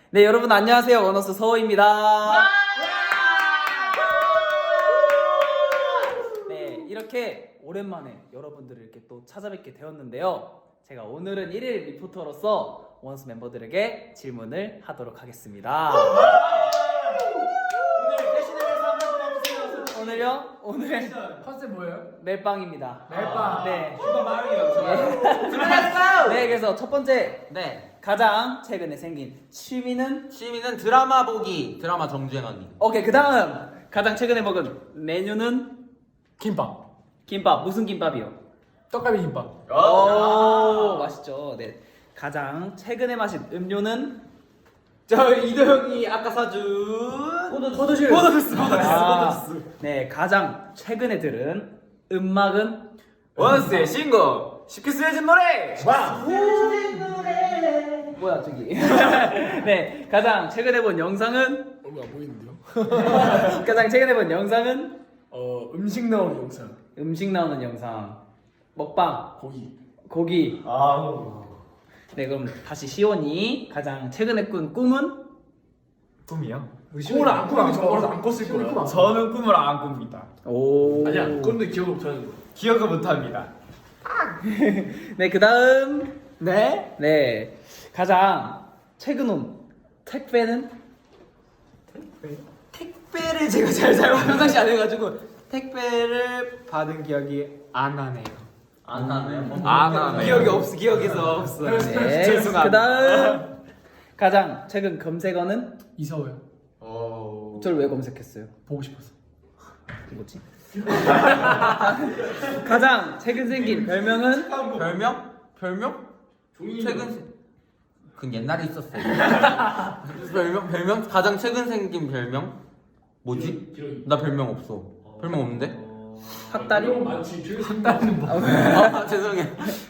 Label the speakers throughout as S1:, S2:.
S1: 네, 여러분 안녕하세요. 원어스 서호입니다. 네, 이렇게 오랜만에 여러분들을 이렇게 또 찾아뵙게 되었는데요. 제가 오늘은 1일 리포터로서 원어스 멤버들에게 질문을 하도록 하겠습니다.
S2: 오늘 대신에 한번 해주세요.
S1: 오늘요? 오늘
S3: 컨셉 뭐예요?
S1: 멜빵입니다.
S3: 멜빵.
S1: 네.
S2: 슈퍼 마리오.
S1: 네, 그래서 첫 번째
S4: 네,
S1: 가장 최근에 생긴 취미는
S4: 취미는 드라마 보기, 드라마 정주행하기.
S1: 오케이, 그 다음 가장 최근에 먹은 메뉴는
S3: 김밥.
S1: 김밥. 무슨 김밥이요?
S3: 떡갈비 김밥.
S1: 오, 맛있죠. 네. 가장 최근에 마신 음료는
S2: 저 이도 형이 아까 사준
S1: 포도주.
S2: 포도주스.
S1: 네, 가장 최근에 들은 음악은
S2: 원스의 신곡 쉽게 쓰여진 노래.
S3: 와.
S1: 뭐야 저기. 네, 가장 최근에 본 영상은
S3: 얼굴 안 보이는데요?
S1: 가장 최근에 본 영상은
S3: 음식 나오는 영상.
S1: 음식 나오는 영상. 먹방.
S3: 고기.
S2: 아우.
S1: 네, 그럼 다시 시온이 가장 최근에 꾼 꿈은?
S2: 꿈이요?
S3: 꿈을 안 꾸면 저거라도 안 꿨을 거야.
S2: 저는 꿈을 안 꿉니다.
S1: 오.
S3: 아니야. 그런데 기억을 못하는 거.
S2: 기억을 못합니다.
S1: 네, 그 다음.
S2: 네?
S1: 네, 가장 최근 온 택배는?
S2: 택배를 제가 잘 사용 평상시 안 해가지고 택배를 받은 기억이 안 나네요.
S4: 안 하네요.
S2: 안 나네요. 기억에서 없어요.
S1: 네,
S2: 죄송합니다.
S1: 그 다음. 가장 최근 검색어는?
S3: 이서호요.
S1: 저를 왜 검색했어요?
S3: 보고 싶었어.
S1: 뭐지? 가장 최근 생긴 별명은?
S4: 별명? 별명? 최근 그건 옛날에 있었어요. 별명? 가장 최근 생긴 별명? 뭐지?
S3: 기록이.
S4: 나 별명 없어. 별명 없는데?
S1: 핫다리?
S3: 많지. 한다는 뭐.
S4: 아, 죄송해요.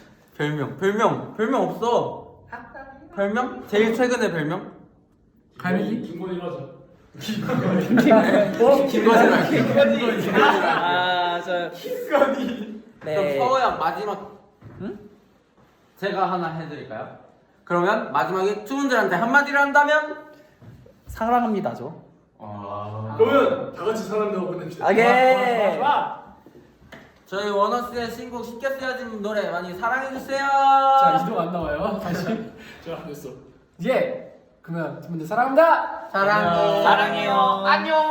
S4: 별명 없어. 별명? 제일 최근에 별명?
S3: 갈매기? 김건희로 하자.
S4: 김건희 말고.
S1: 아, 저.
S4: 그럼
S1: 네.
S4: 서호야 마지막.
S1: 응?
S4: 제가 하나 해드릴까요? 그러면 마지막에 투분들한테 한마디를 한다면?
S1: 사랑합니다죠.
S3: 그러면 다 같이 사람들하고 보냅시다.
S1: 오케이.
S3: 좋아.
S4: 저희 원어스의 신곡 쉽게 쓰여진 노래 많이 사랑해주세요.
S3: 자, 이동 안 나와요. 다시. 자, 됐어. 이제 그러면 여러분들 사랑합니다.
S4: 사랑해.
S1: 사랑해요.
S4: 안녕.